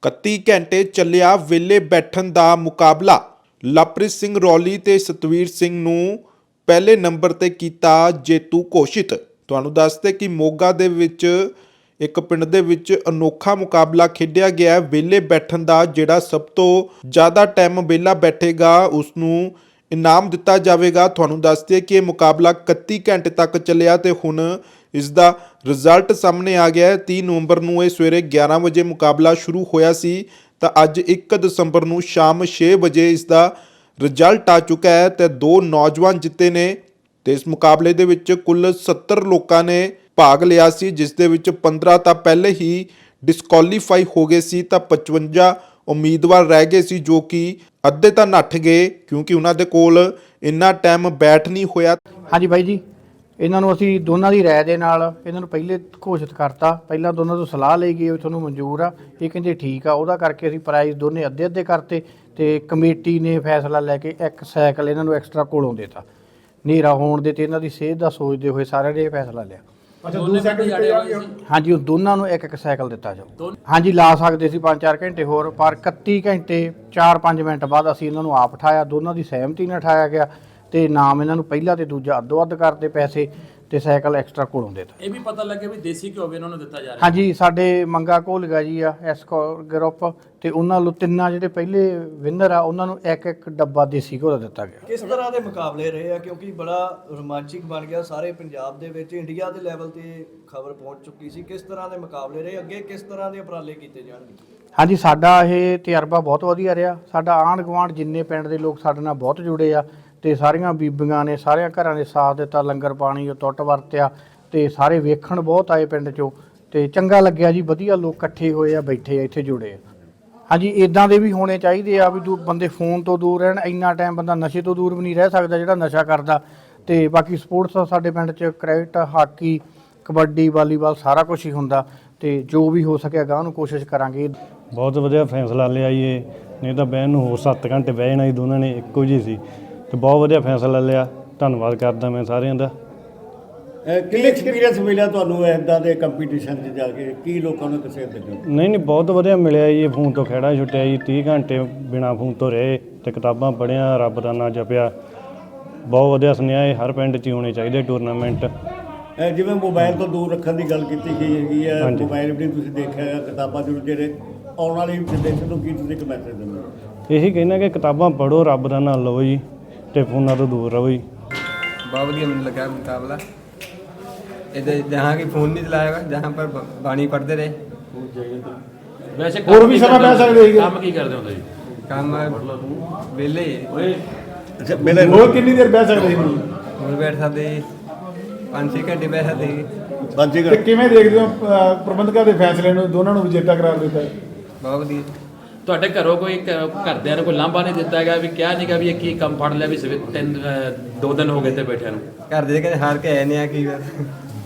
31 ਘੰਟੇ ਚੱਲਿਆ ਵਿਹਲੇ ਬੈਠਣ ਦਾ ਮੁਕਾਬਲਾ। ਲਵਪ੍ਰੀਤ ਸਿੰਘ ਰੌਲੀ ਤੇ ਸਤਵੀਰ ਸਿੰਘ ਨੂੰ ਪਹਿਲੇ ਨੰਬਰ ਤੇ ਕੀਤਾ ਜੇਤੂ ਘੋਸ਼ਿਤ। ਤੁਹਾਨੂੰ ਦੱਸਦੇ ਕਿ ਮੋਗਾ ਦੇ ਵਿੱਚ ਇੱਕ ਪਿੰਡ ਦੇ ਵਿੱਚ ਅਨੋਖਾ ਮੁਕਾਬਲਾ ਖੇਡਿਆ ਗਿਆ। ਵਿਹਲੇ ਬੈਠਣ ਦਾ ਜਿਹੜਾ ਸਭ ਤੋਂ ਜ਼ਿਆਦਾ ਟਾਈਮ ਵਿਹਲਾ ਬੈਠੇਗਾ ਉਸ ਨੂੰ ਇਨਾਮ ਦਿੱਤਾ ਜਾਵੇਗਾ। ਤੁਹਾਨੂੰ ਦੱਸਦੇ ਕਿ ਇਹ ਮੁਕਾਬਲਾ 31 ਘੰਟੇ ਤੱਕ ਚੱਲਿਆ ਤੇ ਹੁਣ ਇਸ ਦਾ ਰਿਜ਼ਲਟ ਸਾਹਮਣੇ ਆ ਗਿਆ ਹੈ। 30 ਨਵੰਬਰ ਨੂੰ ਇਹ ਸਵੇਰੇ 11 ਵਜੇ ਮੁਕਾਬਲਾ ਸ਼ੁਰੂ ਹੋਇਆ ਸੀ ਤਾਂ ਅੱਜ 1 ਦਸੰਬਰ ਨੂੰ ਸ਼ਾਮ 6 ਵਜੇ ਇਸ ਦਾ ਰਿਜ਼ਲਟ ਆ ਚੁੱਕਾ ਹੈ ਤੇ 2 ਨੌਜਵਾਨ ਜਿੱਤੇ ਨੇ ਤੇ ਇਸ ਮੁਕਾਬਲੇ ਦੇ ਵਿੱਚ ਕੁੱਲ 70 ਲੋਕਾਂ ਨੇ ਭਾਗ ਲਿਆ ਸੀ, ਜਿਸ ਦੇ ਵਿੱਚ 15 ਤਾਂ ਪਹਿਲੇ ਹੀ ਡਿਸਕੁਆਲੀਫਾਈ ਹੋ ਗਏ ਸੀ ਤਾਂ 55 ਉਮੀਦਵਾਰ ਰਹਿ ਗਏ ਸੀ ਜੋ ਕਿ ਅੱਧੇ ਤਾਂ ਨੱਠ ਗਏ ਕਿਉਂਕਿ ਉਹਨਾਂ ਦੇ ਕੋਲ ਇੰਨਾ ਟਾਈਮ ਬੈਠ ਨਹੀਂ ਹੋਇਆ। ਹਾਂਜੀ ਬਾਈ ਜੀ, ਇਹਨਾਂ ਨੂੰ ਅਸੀਂ ਦੋਨਾਂ ਦੀ ਰਾਏ ਦੇ ਨਾਲ ਇਹਨਾਂ ਨੂੰ ਪਹਿਲੇ ਘੋਸ਼ਿਤ ਕਰਤਾ। ਪਹਿਲਾਂ ਦੋਨਾਂ ਤੋਂ ਸਲਾਹ ਲਈ ਗਈ ਵੀ ਤੁਹਾਨੂੰ ਮਨਜ਼ੂਰ ਆ, ਇਹ ਕਹਿੰਦੇ ਠੀਕ ਆ। ਉਹਦਾ ਕਰਕੇ ਅਸੀਂ ਪ੍ਰਾਈਜ਼ ਦੋਨੇ ਅੱਧੇ ਅੱਧੇ ਕਰਤੇ ਤੇ ਕਮੇਟੀ ਨੇ ਫੈਸਲਾ ਲੈ ਕੇ ਇੱਕ ਸਾਈਕਲ ਇਹਨਾਂ ਨੂੰ ਐਕਸਟਰਾ ਕੋਲੋਂ ਦੇਤਾ। ਹਨੇਰਾ ਹੋਣ ਦੇ ਤੇ ਇਹਨਾਂ ਦੀ ਸਿਹਤ ਦਾ ਸੋਚਦੇ ਹੋਏ ਸਾਰਿਆਂ ਨੇ ਇਹ ਫੈਸਲਾ ਲਿਆ। ਅੱਛਾ, ਦੋ ਸਾਈਕਲ ਹਾਂਜੀ, ਉਹ ਦੋਨਾਂ ਨੂੰ ਇੱਕ ਇੱਕ ਸਾਈਕਲ ਦਿੱਤਾ ਜਾਊ। ਹਾਂਜੀ, ਲਾ ਸਕਦੇ ਸੀ 5-4 ਘੰਟੇ ਹੋਰ, ਪਰ 31 ਘੰਟੇ 4-5 ਮਿੰਟ ਬਾਅਦ ਅਸੀਂ ਇਹਨਾਂ ਨੂੰ ਆਪ ਉਠਾਇਆ। ਦੋਨਾਂ ਦੀ ਸਹਿਮਤੀ ਨਾਲ ਉਠਾਇਆ ਗਿਆ ਤੇ ਨਾਮ ਇਹਨਾਂ ਨੂੰ ਪਹਿਲਾ ਤੇ ਦੂਜਾ ਅੱਧੋ ਅੱਧ ਕਰਦੇ ਪੈਸੇ ਤੇ ਸਾਈਕਲ ਐਕਸਟਰਾ ਕੋਲੋਂ ਦੇਤਾ। ਇਹ ਵੀ ਪਤਾ ਲੱਗੇ ਵੀ ਦੇਸੀ ਘਿਓ ਵੀ ਇਹਨਾਂ ਨੂੰ ਦਿੱਤਾ ਜਾ ਰਿਹਾ। ਹਾਂਜੀ, ਸਾਡੇ ਮੰਗਾ ਘੋਲਗਾ ਜੀ ਆ ਐਸ ਗਰੁੱਪ ਤੇ ਉਹਨਾਂ ਨੂੰ ਤਿੰਨਾਂ ਜਿਹੜੇ ਪਹਿਲੇ ਵਿਨਰ ਆ ਉਹਨਾਂ ਨੂੰ ਇੱਕ ਇੱਕ ਡੱਬਾ ਦੇਸੀ ਘਿਓ ਦਾ ਦਿੱਤਾ ਗਿਆ। ਕਿਸ ਤਰ੍ਹਾਂ ਦੇ ਮੁਕਾਬਲੇ ਰਹੇ ਆ, ਕਿਉਂਕਿ ਬੜਾ ਰੋਮਾਂਚਿਕ ਬਣ ਗਿਆ ਸਾਰੇ ਪੰਜਾਬ ਦੇ ਵਿੱਚ, ਇੰਡੀਆ ਦੇ ਲੈਵਲ ਤੇ ਖਬਰ ਪਹੁੰਚ ਚੁੱਕੀ ਸੀ। ਕਿਸ ਤਰ੍ਹਾਂ ਦੇ ਮੁਕਾਬਲੇ ਰਹੇ, ਅੱਗੇ ਕਿਸ ਤਰ੍ਹਾਂ ਦੇ ਉਪਰਾਲੇ ਕੀਤੇ ਜਾਣਗੇ? ਹਾਂਜੀ, ਸਾਡਾ ਇਹ ਤਜਰਬਾ ਬਹੁਤ ਵਧੀਆ ਰਿਹਾ। ਸਾਡਾ ਆਂਢ ਗੁਆਂਢ ਜਿੰਨੇ ਪਿੰਡ ਦੇ ਲੋਕ ਸਾਡੇ ਨਾਲ ਬਹੁਤ ਜੁੜੇ ਆ ਤੇ ਸਾਰੀਆਂ ਬੀਬੀਆਂ ਨੇ ਸਾਰਿਆਂ ਘਰਾਂ ਦੇ ਸਾਥ ਦਿੱਤਾ। ਲੰਗਰ ਪਾਣੀ ਉਹ ਟੁੱਟ ਵਰਤਿਆ ਤੇ ਸਾਰੇ ਵੇਖਣ ਬਹੁਤ ਆਏ ਪਿੰਡ 'ਚੋਂ ਤੇ ਚੰਗਾ ਲੱਗਿਆ ਜੀ। ਵਧੀਆ ਲੋਕ ਇਕੱਠੇ ਹੋਏ ਆ, ਬੈਠੇ ਆ, ਇੱਥੇ ਜੁੜੇ ਆ। ਹਾਂਜੀ, ਇਦਾਂ ਦੇ ਵੀ ਹੋਣੇ ਚਾਹੀਦੇ ਆ ਵੀ ਬੰਦੇ ਫੋਨ ਤੋਂ ਦੂਰ ਰਹਿਣ। ਇੰਨਾ ਟਾਈਮ ਬੰਦਾ ਨਸ਼ੇ ਤੋਂ ਦੂਰ ਵੀ ਨਹੀਂ ਰਹਿ ਸਕਦਾ ਜਿਹੜਾ ਨਸ਼ਾ ਕਰਦਾ। ਤੇ ਬਾਕੀ ਸਪੋਰਟਸ ਸਾਡੇ ਪਿੰਡ 'ਚ ਕ੍ਰਿਕਟ, ਹਾਕੀ, ਕਬੱਡੀ, ਵਾਲੀਬਾਲ ਸਾਰਾ ਕੁਝ ਹੀ ਹੁੰਦਾ ਤੇ ਜੋ ਵੀ ਹੋ ਸਕਿਆ ਗਾਂ ਨੂੰ ਕੋਸ਼ਿਸ਼ ਕਰਾਂਗੇ। ਬਹੁਤ ਵਧੀਆ ਫੈਸਲਾ ਲਿਆ ਜੀ ਇਹ, ਨਹੀਂ ਤਾਂ ਬਹਿਣ ਨੂੰ ਹੋਰ 7 ਘੰਟੇ ਬਹਿ ਜਾਣਾ ਜੀ। ਦੋਨਾਂ ਨੇ ਇੱਕੋ ਜਿਹੀ ਸੀ ਤੇ ਬਹੁਤ ਵਧੀਆ ਫੈਸਲਾ ਲਿਆ। ਧੰਨਵਾਦ ਕਰਦਾ ਮੈਂ ਸਾਰਿਆਂ ਦਾ। ਕਿੰਨੇ ਐਕਸਪੀਰੀਅੰਸ ਮਿਲਿਆ ਤੁਹਾਨੂੰ ਇੱਦਾਂ ਦੇ ਕੰਪੀਟੀਸ਼ਨ 'ਚ ਜਾ ਕੇ? ਕੀ ਲੋਕਾਂ ਨੂੰ ਦੱਸਿਆ ਦਿੱਤਾ? ਨਹੀਂ ਬਹੁਤ ਵਧੀਆ ਮਿਲਿਆ ਜੀ। ਫੋਨ ਤੋਂ ਖਹਿੜਾ ਛੁੱਟਿਆ ਜੀ, 30 ਘੰਟੇ ਬਿਨਾਂ ਫੋਨ ਤੋਂ ਰਹੇ ਤੇ ਕਿਤਾਬਾਂ ਪੜ੍ਹੀਆਂ, ਰੱਬ ਦਾ ਨਾਂ ਜਪਿਆ। ਬਹੁਤ ਵਧੀਆ ਸੁਨੇਹਾ ਇਹ ਹਰ ਪਿੰਡ 'ਚ ਹੀ ਹੋਣੇ ਚਾਹੀਦੇ ਟੂਰਨਾਮੈਂਟ। ਜਿਵੇਂ ਮੋਬਾਈਲ ਤੋਂ ਦੂਰ ਰੱਖਣ ਦੀ ਗੱਲ ਕੀਤੀ ਗਈ ਹੈਗੀ ਹੈ, ਮੋਬਾਈਲ ਵੀ ਤੁਸੀਂ ਦੇਖਿਆ ਹੈ, ਕਿਤਾਬਾਂ ਜਿਹੜੇ ਆਉਣ ਵਾਲੀ ਜਨਰੇਸ਼ਨ ਨੂੰ ਕੀ ਤੁਸੀਂ ਇੱਕ ਮੈਸੇਜ ਦਿੰਦੇ ਹੋ? ਇਹੀ ਕਹਿਣਾ ਕਿ ਕਿਤਾਬਾਂ ਪੜ੍ਹੋ, ਰੱਬ ਦਾ ਨਾਂ ਲਓ ਜੀ ਤੇ ਫੋਨਾਂ ਤੋਂ ਦੂਰ ਰਹੋ ਜੀ। बहुत बढ़िया मुझे लगा मुकाबला। इधर जहाँ की फ़ोन नहीं चलाएगा, जहाँ पर बाणी पढ़ते रहे। ਵੈਸੇ ਹੋਰ ਵੀ ਸਮਾਂ ਪੈ ਸਕਦੇ ਹੈਗੇ। ਕੰਮ ਕੀ ਕਰਦੇ ਹੁੰਦੇ ਜੀ? काम वेले ਅੱਛਾ, ਮੇਲੇ ਹੋਰ ਕਿੰਨੀ ਦੇਰ ਬਹਿ ਸਕਦੇ ਸੀ? और बैठ सकते 5-6 घंटे बैठ सकते। ਬਾਜੀ ਤੇ ਕਿਵੇਂ ਦੇਖਦੇ ਹੋ ਪ੍ਰਬੰਧਕਾਂ ਦੇ ਫੈਸਲੇ ਨੂੰ, ਦੋਨਾਂ ਨੂੰ ਵਿਜੇਤਾ ਕਰਾਰ ਦਿੱਤਾ? बहुत बढ़िया। ਤੁਹਾਡੇ ਘਰੋਂ ਕੋਈ ਘਰਦਿਆਂ ਨੇ ਕੋਈ ਲਾਂਭਾ ਨਹੀਂ ਦਿੱਤਾ ਹੈਗਾ ਵੀ ਕਿਹਾ ਨਹੀਂਗਾ ਵੀ ਇਹ ਕੀ ਕੰਮ ਫੜ ਲਿਆ ਵੀ 2 ਦਿਨ ਹੋ ਗਏ ਤੇ ਬੈਠਿਆਂ ਨੂੰ? घर दे के हार के आए नहीं आ की